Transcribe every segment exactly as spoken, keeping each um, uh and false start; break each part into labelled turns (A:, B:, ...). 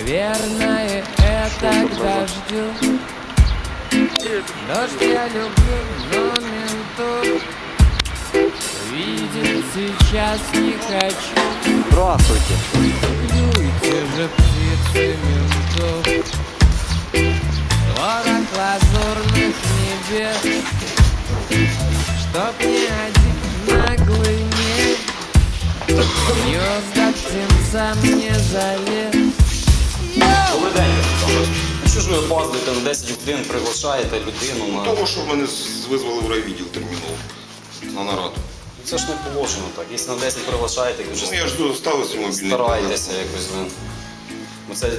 A: Наверное, это к дождю. Дождь я люблю, но ментов видеть сейчас не хочу.
B: Здравствуйте.
A: Клюйте же птицы ментов. Творог лазурных небес, чтоб ни один наглый не гнезда птенцам не залез.
B: Добрий день. Ну що ж ви опаздуєте на десять годин, приглашаєте людину на...
C: Того, що мене визвали в райвідділ терміново на нараду.
B: Це ж не положено так. Якщо на десять приглашаєте, то вже
C: Ну, я ж доставив свій мобільний.
B: старайтеся якось. ви. Ну, це...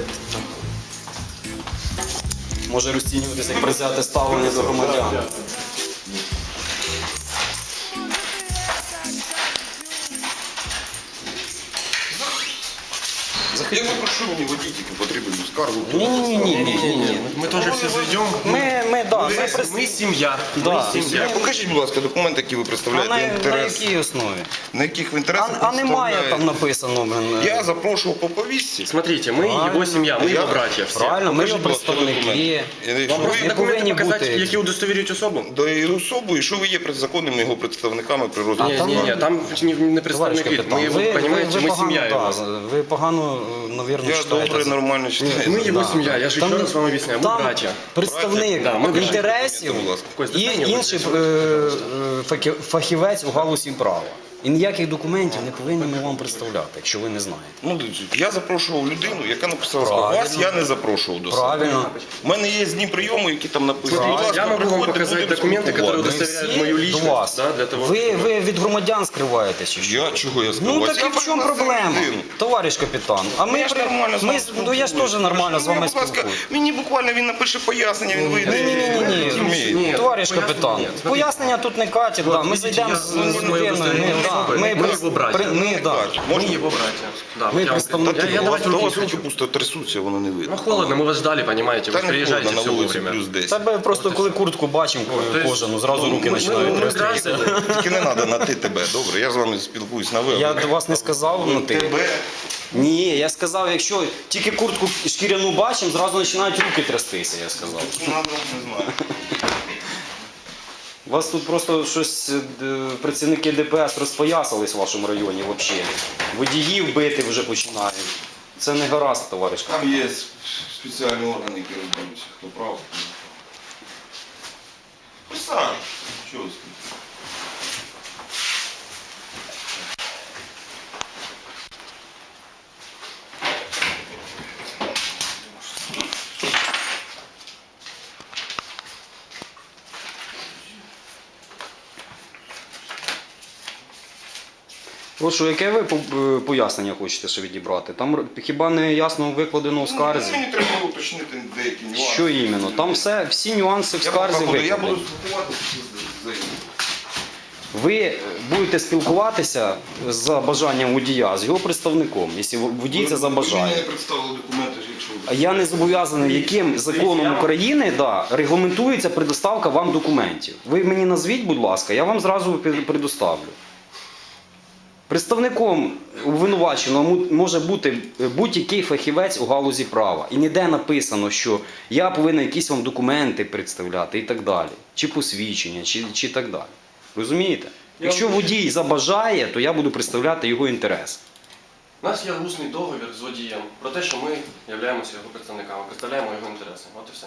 B: Може розцінюватися як призяте ставлення до громадян.
C: Я попрошу мені водітельку, потрібну скаргу.
B: Ні-ні-ні.
D: Мы тоже все зайдем.
B: Ми, ми, да, ми,
D: Мы,
B: прис-
D: мы семья.
B: Да.
D: Мы семья.
C: Покажіть, будь ласка, документи, які ви
B: А
C: представляєте
B: на, на
C: інтерес.
B: якій основі?
C: На яких в
B: А,
C: інтересах
B: а немає там
C: представляєте?
B: написано, блин.
C: Я запрошував по повістці.
D: Смотрите, мы
B: Правильно.
D: его семья, мы
C: Я-
D: его братья. Все.
B: Правильно, ми
C: Покажіть,
B: його
C: будь ласка,
B: представники.
C: документи.
D: Вам
C: Що
D: просто
C: ви-
B: не
D: документы
B: повинні
D: показать,
B: бути.
D: які удостовірюють особу?
C: До її особу, і що ви є законними його представниками при
B: А
C: розгляді
B: там-
D: Ні, ні, ні, там не, не
B: Товариш
D: представник вид.
B: капітан,
D: Мы его,
B: ви, ви,
D: понимаете,
B: ви
D: мы
B: погано,
D: семья
B: да,
D: его.
B: ви погано, навірно,
C: Я
B: читаєте.
C: добре, нормально читаю.
D: Мы его
B: Да.
D: семья, я же
B: Там-
D: еще раз вам объясняю, мы
B: Там
D: братья.
B: представник
D: Да, ми братя.
B: інтересів
C: Будь ласка.
D: Костя,
B: і
D: стань, я
B: інший
D: буду
B: е, е, факі- фахівець у галузі права. І ніяких документів не повинні ми вам представляти, якщо ви не знаєте.
C: Ну, дивіться, я запрошував людину, яка написала скаргу.
B: Правильно.
C: Вас я не запрошував до себе.
B: Правильно.
C: У мене є дні прийому, які там написані.
D: Смотрите,
C: Будь ласка,
D: я могу вам
C: приходьте,
D: показать
C: будемо
D: документы, которые
C: спілкуватися.
D: удостоверяют
B: Всі
D: мою
B: до
D: личность.
B: вас.
D: Да, для того,
B: Ви, ви від громадян скриваєтесь чи що?
C: Я чого я сказав?
B: Ну
C: Вас
B: так
C: я
B: і в чому
C: пригласив
B: проблема,
C: людину.
B: товариш капітан? А ми,
C: Ну, я ж
B: при-
C: нормально з
B: ми,
C: вами
B: з- ну, я ж теж нормально з
C: Ну,
B: вами
C: будь ласка,
B: спілкуюсь.
C: мені буквально він напише пояснення, він вийде.
B: Ні-ні-ні,
C: Розумієте?
D: Ні,
B: товариш
D: пояснення
B: капітан,
D: ні. Смотрите.
B: пояснення тут не катять, да. ми
D: видите,
B: зайдемо
D: я-
B: з,
D: ну,
B: з
D: ми
B: людиною.
D: удостоверені
B: ну, да,
D: особи,
B: Ми,
D: ми
B: при-
D: його братя.
B: при- ми, да.
C: Можна?
D: Мы его братья. Да,
B: Ми
D: я вам-
B: представники.
D: Я, я
C: У вас
D: давайте
C: у
D: руки
C: вас руки
D: сложу.
C: пусто трясуться, воно не видно.
D: Ну холодно, мы вас ждали, понимаете,
C: Та
D: вы
C: не
D: приезжаете
C: холодно,
D: все
C: на вулиці
D: вовремя.
C: плюс десять.
B: Тебе просто коли куртку бачимо
D: есть,
B: кожану, зразу
D: ну,
B: руки
D: ми-
B: починають
D: ми- ми
B: трястися.
D: граждане.
C: Тільки не треба на ти тебе, добре? Я з вами спілкуюсь на ви.
B: Я до вас не сказав на ти.
C: Тебе.
B: Ні, я сказав, якщо тільки куртку шкіряну бачимо, зразу починають руки трястися, я сказав.
C: Надо, не знаю.
B: У вас тут просто щось е, працівники Д П С розпоясались в вашому районі взагалі. Водіїв бити вже починають. Це не гаразд, товариш.
C: Там є спеціальні органи, які розберуться, хто прав. Присадь. Чого ви стоїте?
B: Прошу, яке ви по- е, пояснення хочете ще відібрати? Там р- хіба не ясно викладено в скарзі?
C: Ну, мені треба уточнити деякі нюанси.
B: Що іменно? Там все, всі нюанси в
C: Я
B: скарзі
C: поки буду, я буду
B: викладені.
C: спілкуватися з заявою.
B: Ви будете спілкуватися за бажанням водія з його представником, якщо водій це
C: Ви мені
B: забажає.
C: не представили документи, якщо
B: А я не зобов'язаний, яким законом України да, регламентується предоставка вам документів. Ви мені назвіть, будь ласка, я вам зразу пе- предоставлю. Представником обвинуваченого му- може бути будь-який фахівець у галузі права. І ніде написано, що я повинен якісь вам документи представляти і так далі. Чи посвідчення, чи, чи так далі. Розумієте? Якщо водій забажає, то я буду представляти його інтерес.
D: У нас є усний договір з водієм про те, що ми являємося його представниками, представляємо його інтереси. От і все.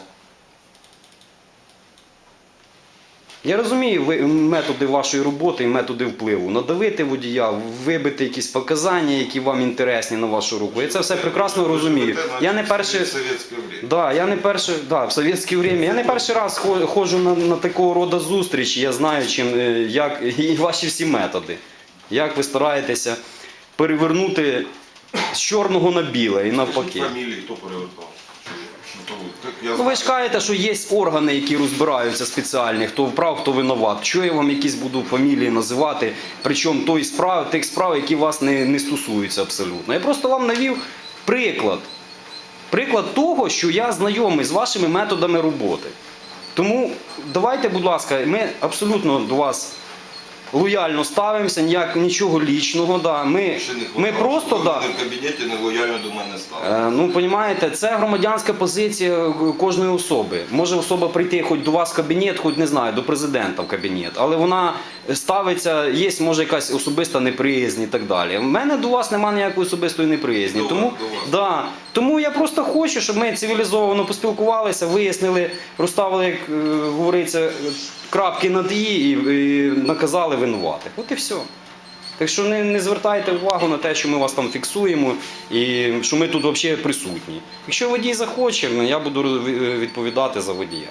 B: Я розумію ви- методи вашої роботи і методи впливу. Надавити водія, вибити якісь показання, які вам інтересні на вашу руку. Я це все прекрасно розумію. Я не перший...
C: В совєтське время.
B: Да, я не перший, да, в совєтське время. Я не перший раз хо- ходжу на, на такого роду зустрічі. Я знаю, чим, е, як і ваші всі методи. Як ви стараєтеся перевернути з чорного на біле і навпаки.
C: Фамілії хто перевертав? Хто ви? Так, я
B: Ну, ви
C: знаю.
B: ж кажете, що є органи, які розбираються спеціальні, хто вправ, хто винуват. Що я вам якісь буду фамілії називати, причому той справ, тих справ, які вас не, не стосуються абсолютно. Я просто вам навів приклад. Приклад того, що я знайомий з вашими методами роботи. Тому давайте, будь ласка, ми абсолютно до вас лояльно ставимося, ніяк, нічого лічного. Да. Ми,
C: Ще не
B: ми
C: хватало,
B: просто...
C: щоб
B: Да,
C: ви в кабінеті нелояльно до мене стали.
B: Е, Ну, розумієте, це громадянська позиція кожної особи. Може особа прийти хоч до вас в кабінет, хоч не знаю, до президента в кабінет, але вона ставиться, є може якась особиста неприязнь і так далі. У мене до вас немає ніякої особистої неприязні.
C: До
B: Тому,
C: вас, до вас.
B: да, тому я просто хочу, щоб ми цивілізовано поспілкувалися, вияснили, розставили, як е, говориться, крапки над «і» і, і наказали винуватих. От і все. Так що не, не звертайте увагу на те, що ми вас там фіксуємо і що ми тут взагалі присутні. Якщо водій захоче, я буду відповідати за водія.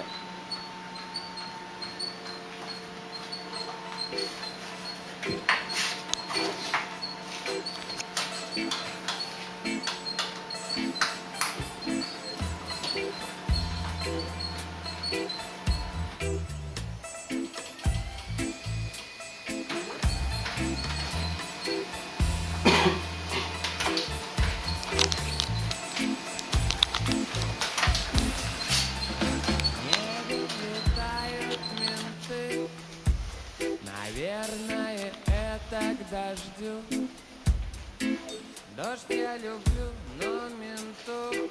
A: Не летают менты. Наверное, это к дождю. Дождь я люблю, но ментов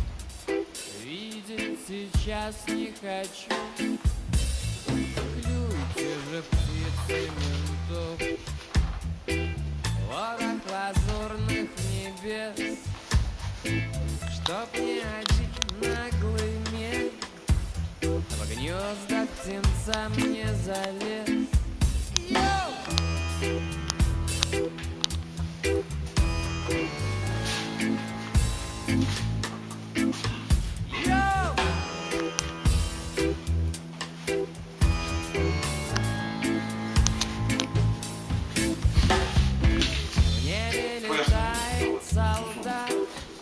A: видеть сейчас не хочу. Клюйте же, птицы ментов, ворох лазурных небес, чтоб ни один наглый мех в гнезда птенцам не залез. Йоу! Йоу! В небе летает солдат.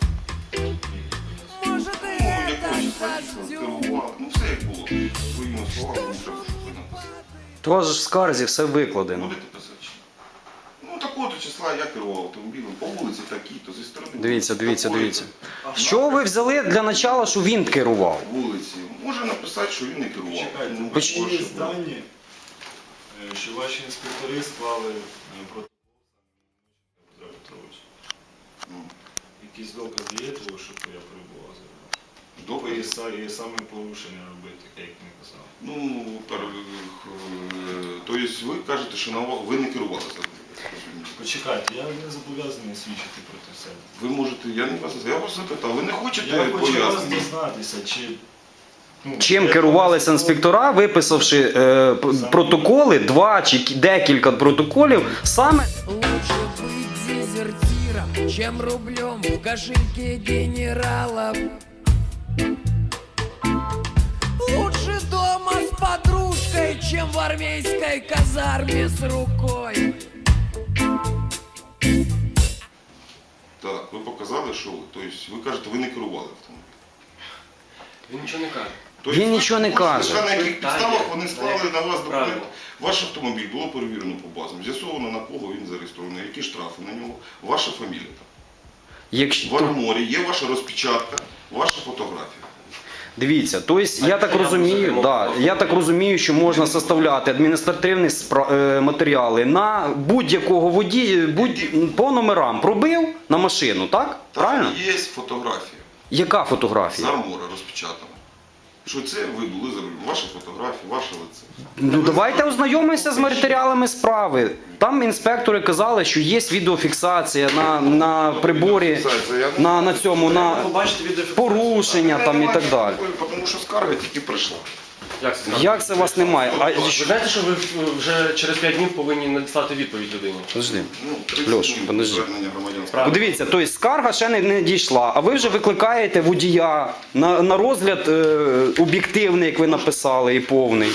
A: Может, и
C: Ну,
A: это
C: якось
A: к
C: бачиш,
A: дождю.
C: керували. Ну, все як було. Своїми словами, ну, що ви написали.
B: То вас же в скарзі все викладено.
C: Будете писати? чи ні? Ну, такого числа я керував автомобілем по вулиці такі-то, зі сторони.
B: Дивіться,
C: вулиці
B: дивіться,
C: такої-то.
B: дивіться. З чого ви взяли для начала, що він керував?
C: Вулиці. Може написати, що він не керував.
E: Чекайте,
C: Ну,
E: такі
C: прошу,
E: є дані, е, що ваші інспектори склали е, протокол Петра Петровича.
C: Ну,
E: Якісь докази є того, що я перебував за рулем?
C: Добре.
E: І са- І саме порушення робити, як він казав.
C: Ну, пер- е, тобто ви кажете, що на ва- ви не керували за
E: Почекайте, я не зобов'язаний свідчити проти себе.
C: Ви можете, я не вас, я вас запитав, ви не хочете
E: Я хочу вас
C: пояснення?
E: дізнатися, чи... ну,
B: Чим
E: я
B: керувалися
E: вам
B: інспектора, виписавши е, п- протоколи, два чи кі- декілька протоколів, саме
A: Лучше быть дезертиром, чем рублем в кошельке генералов. Лучше дома с подружкой, чем в армейской казарме с рукой.
C: Так, ви показали, що ви. Тобто ви кажете, ви не керували автомобілем.
D: Він нічого не каже.
C: Тобто,
B: Він
C: ви
B: нічого не
C: можете
B: каже.
C: сказати, на яких
D: Питання.
C: підставах вони склали на вас документ.
D: Правильно.
C: Ваш автомобіль було перевірено по базам, з'ясовано на кого він зареєстрований, які штрафи на нього, ваша фамілія там. В
B: якщо
C: арморі є ваша розпечатка, ваша фотографія.
B: дивіться, тобто я так розумію, да, я так розумію, що можна составляти адміністративні спра- е, матеріали на будь-якого водія, будь по номерам пробив на машину, так? Правильно?
C: Там є фотографія
B: Яка
C: з
B: фотографія?
C: армора розпечатана. Що це ви були за рулем, ваша фотографія, ваше лице.
B: Ну давайте ознайомимося з матеріалами справи. Там інспектори казали, що є відеофіксація на, на приборі, на, на цьому, на
D: Побачите відеофіксацію.
B: порушення там і так далі.
C: Тому що скарга тільки прийшла.
D: Як це?
B: Як це вас немає? А,
D: Ви знаєте, що ви вже через п'ять днів повинні надіслати відповідь людині?
B: подожди.
C: Ну, тридцять
B: Льош,
C: днів
B: подожди.
C: звернення громадянського.
D: Правильно.
B: Подивіться, тобто скарга ще не, не дійшла, а ви вже викликаєте водія на, на розгляд е, об'єктивний, як ви написали, і повний.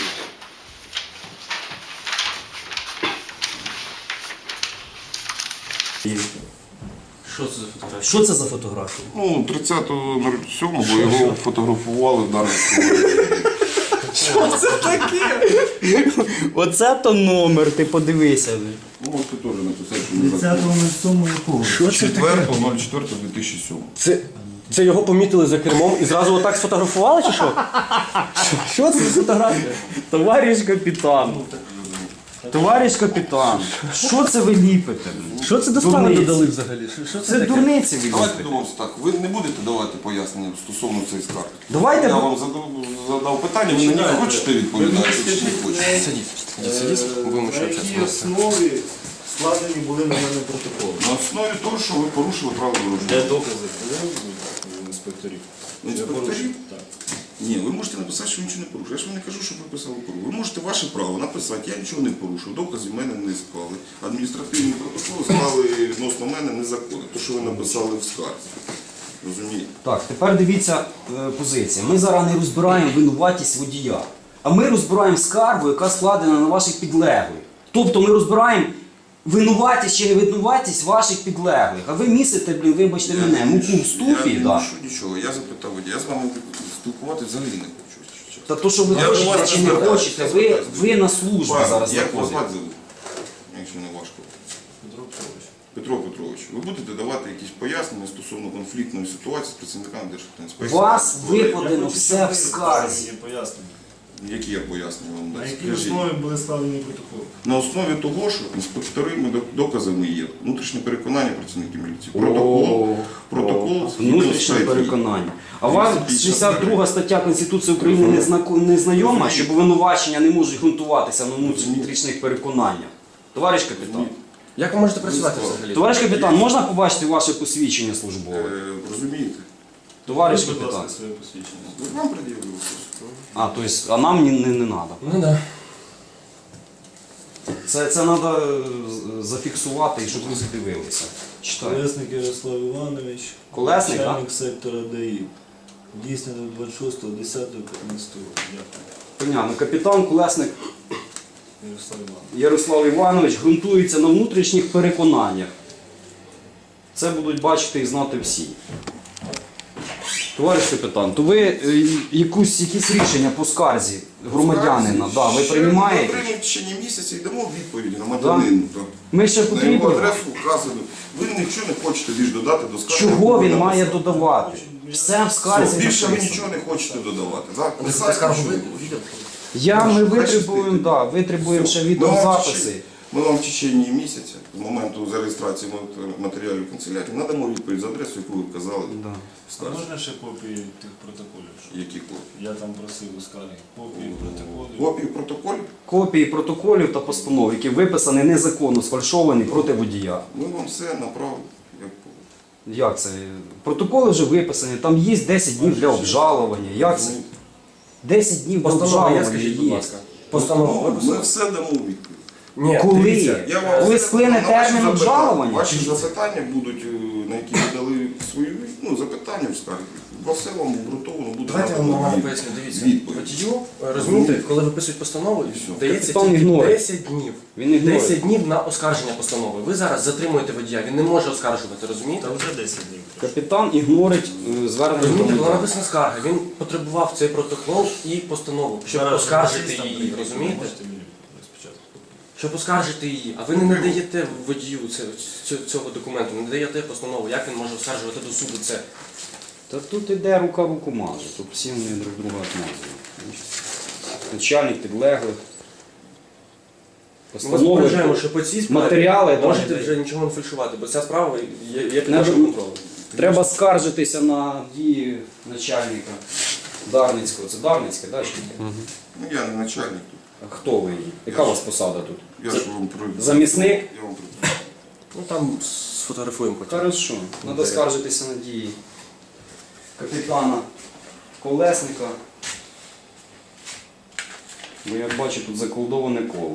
F: Що це за фотографія? Що це за фотографія?
C: Ну, тридцятого сьомого його фотографували в даному
F: Що це таке? Оце то номер, ти подивися.
C: Ну, от ти теж написав, що не
F: тридцятого сьомого якого? Що це таке?
C: четвертого четвертого дві тисячі сьомого.
G: Це, це його помітили за кермом і зразу отак сфотографували чи що?
F: Що це за фотографія?
G: Товариш капітан.
B: Товариш капітан, що це ви ліпите?
G: Що це до справи
B: Дурниці.
G: додали взагалі? Що, що це,
B: Це
G: таке?
B: дурниці ви
C: Давайте
B: ліпите.
C: домовимося так. Ви не будете давати пояснення стосовно цієї скарги?
B: Давайте
C: Я
B: ви-
C: вам задав, задав питання, ви на нього хочете відповідати чи не хочете?
D: Сидіть, сидіть, сидіть, будемо
E: На
D: ще
E: якій
D: общатися.
E: основі складені були на мене протоколи?
C: На основі того, що ви порушили правила дорожнього
E: Де
C: руху.
E: докази були у інспекторів?
C: Інспекторів?
E: Так.
C: Ні, ви можете написати, що ви нічого не порушили. Я ж вам не кажу, що ви писали порушили. Ви можете ваше право написати, я нічого не порушив, доказів в мене не склали. Адміністративні протоколи склали відносно мене незаконно. Те, що ви написали в скарзі. Розумієте?
B: Так, тепер дивіться е, позиція. Ми зараз не розбираємо винуватість водія, а ми розбираємо скаргу, яка складена на ваших підлеглих. Тобто ми розбираємо винуватість чи невинуватість ваших підлеглих. А ви місите, блін, вибачте мене, муку в ступі.
C: Я не
B: Да.
C: мушу нічого. Я запитав водія. Я з вами спілкуватися взагалі не хочу. якщо чесно.
B: Та то, що ви
C: Я до
B: хочете
C: вас
B: чи не
C: звертаюся,
B: хочете, ви,
C: звертаюся.
B: ви на службі
C: Пане,
B: зараз
C: як вас
B: знаходитесь.
C: звати зовут? Якщо не важко.
E: Петро Петрович.
C: Петро Петрович, ви будете давати якісь пояснення стосовно конфліктної ситуації з працівниками Державтоінспекції?
B: Вас
C: Ви-
B: викладено
E: хочу,
B: все
E: щоб
B: в
E: ви
B: скарзі.
E: мені пояснення.
C: Які я пояснення вам
E: На
C: дати?
E: якій
C: Скажіть.
E: основі були складені протоколи?
C: На основі того, що інспекторами доказами є внутрішнє переконання працівників міліції. Протокол, протокол
B: Внутрішнє переконання. А вам шістдесят друга стаття Конституції України не, знако- не знайома, що обвинувачення не можуть ґрунтуватися на внутрішніх переконаннях? Товариш капітан.
D: Як ви можете працювати взагалі?
B: Товариш капітан, можна побачити ваше посвідчення службове?
C: Е, Розумієте?
B: Товариш
E: Будь
B: капітан.
E: ласка, своє посвідчення.
C: Ви вам пред'явили.
B: А, то есть, а нам не, не, не надо.
D: Ну да.
B: Це, це треба зафіксувати, і щоб ви задивилися. Читаю.
E: Колесник Ярослав Іванович,
B: Колесник, так?
E: начальник сектора ДАІ. Дійсно двадцять шостого десятого п'ятнадцятого року. Дякую.
B: Понятно. Капітан Колесник
E: Ярослав Іванович.
B: Ярослав Іванович ґрунтується на внутрішніх переконаннях. Це будуть бачити і знати всі. Товариш капітан, то ви е, якусь, якісь рішення по скарзі громадянина, да, ви
C: Ще
B: приймаєте?
C: Ми приймемо в течение місяця і дамо відповідь громадянину. так.
B: Ми ще
C: На його
B: потрібно.
C: адресу вказано. Ви нічого не хочете більш додати до скарги.
B: Чого
C: яку
B: він
C: ви
B: має
C: написали.
B: додавати? Все в
C: Все,
B: скарзі
C: більше ви
B: написано.
C: нічого не хочете додавати. Так?
D: Ви
C: Писати
D: скаргу
C: нічого не
D: ви-
C: хочете.
B: Я, ми
C: Хай
B: витребуємо,
C: щастить.
B: да, витребуємо ще
C: Ми вам в
B: відеозаписи.
C: течение- Ми вам в течение місяця, з моменту зареєстрації матеріалів канцелярії, надамо відповідь за адресу, яку ви вказали.
B: Да.
C: в
E: А
C: скарзі.
E: можна ще копії тих протоколів? що
C: Які копії?
E: Я там просив у скаргі. Копії протоколів.
C: Копії протоколів?
B: Копії протоколів та постанов, які виписані незаконно, сфальшовані проти водія.
C: Ми вам все направимо. як по-
B: Як це? Протоколи вже виписані, там є десять днів для обжалування. Як це? десять днів для
D: Постанова є,
B: обжалування
D: скажіть, будь
B: є.
D: ласка. Постанова
C: Ну, Ми
D: виписана?
C: все дамо відповідь.
D: Ні,
B: Коли?
D: дивіться.
C: Я вам
B: Коли
C: все-
B: сплине
C: на ваші
B: термін
C: запитання-
B: обжалування?
C: Ваші запитання будуть, е, на які ви дали свої ну, запитання в скаргі. Про все вам обґрунтовано буде.
D: Давайте я вам
C: надано
D: нормально
C: від-
D: поясню. Дивіться,
C: відповідь.
D: водію, е, розумієте, коли виписують постанову,
C: все.
D: дається
B: Капітан
D: тільки
B: ігнорує.
D: десять днів.
B: Він ігнорує.
D: десять днів на оскарження постанови. Ви зараз затримуєте водія, він не може оскаржувати, розумієте?
E: Та вже десять днів.
B: Капітан ігнорить е, звернення
D: Розумієте, була
B: громадян.
D: написана скарга, він потребував цей протокол і постанову, щоб
E: Зараз
D: оскаржити
E: журналістам
D: її,
E: прийти,
D: розумієте?
E: Можете мені спочатку.
D: Щоб оскаржити її, а ви не надаєте водію це- цю- цього документу, не надаєте постанову, як він може оскаржувати до суду це.
B: Та тут іде рука руку маже, тут всі вони друг друга отмазують. Начальник підлеглих.
D: Ми вас
B: Постанови.
D: попереджаємо, що по цій справі
B: матеріали,
D: можете
B: да,
D: вже нічого не фальшувати, бо ця справа є, є під
B: Не
D: нашим
B: ду-
D: контролем.
B: Треба скаржитися на дії начальника Дарницького. Це Дарницьке, так?
C: Ну, я не начальник тут.
B: А хто ви? Яка у вас посада тут?
C: Я ж вам про...
B: Замісник?
C: Я вам про...
D: Ну там сфотографуємо потім.
B: Хорошо. Треба скаржитися на дії капітана Колесника. Бо я бачу тут заколдоване коло.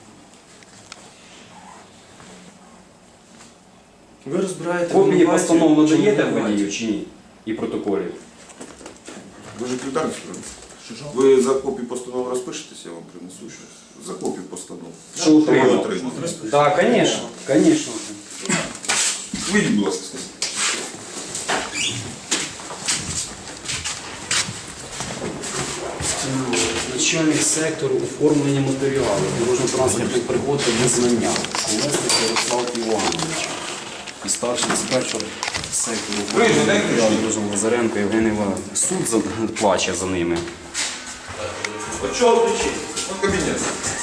D: Ви розбираєте
B: Копії
D: винуватців,
B: постанов
D: чи не
B: надаєте
D: винуватців?
B: водію чи ні? І протоколів.
C: Ви ж секретар справді? Ви за копію постанов розпишетесь, я вам принесу щось. За копію постанов.
B: Що
C: Ви
B: отримав?
C: отримали.
B: Так, звісно, звісно.
C: Вийдіть, будь ласка, скажіть.
B: Начальник сектору оформлення матеріалів дорожньо-транспортних пригод та визнання. Колесник Ярослав Іванович. І старший інспектор сектору оформлення матеріалів дорожнього Лазаренко Євген Іванович. Суд за- плаче за ними.
C: От чого кричить? От кабінет.